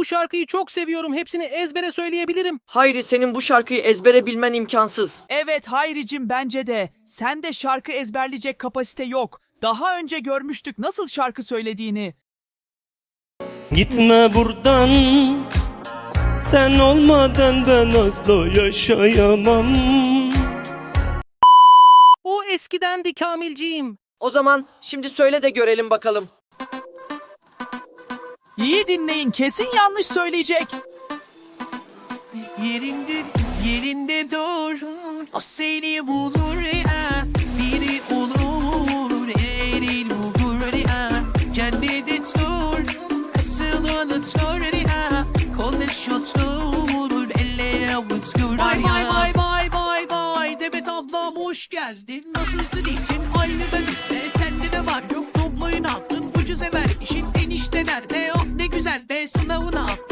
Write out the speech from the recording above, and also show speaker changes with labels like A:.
A: şarkıyı çok seviyorum. Hepsini ezbere söyleyebilirim.
B: Hayri, senin bu şarkıyı ezbere bilmen imkansız.
C: Evet Hayricim, bence de. Sende şarkı ezberleyecek kapasite yok. Daha önce görmüştük nasıl şarkı söylediğini.
D: Gitme buradan, sen olmadan ben asla yaşayamam.
A: O eskidendi Kamilciğim.
B: O zaman şimdi söyle de görelim bakalım.
C: İyi dinleyin, kesin yanlış söyleyecek.
A: Yerinde dur. O seni bulur ya. Biri olur, erin olur ya. Cennette dur. Asıl unutur ya. Konuş otur, elle avuç gör. Vay. Demet ablam hoş geldin. Nasılsın, iyisin? Aynı benimle. Sende de var yok. Dobloyu ne yaptın? Ucuz sever işin enişte nerede? Oh ne güzel be, sınavı ne yaptın?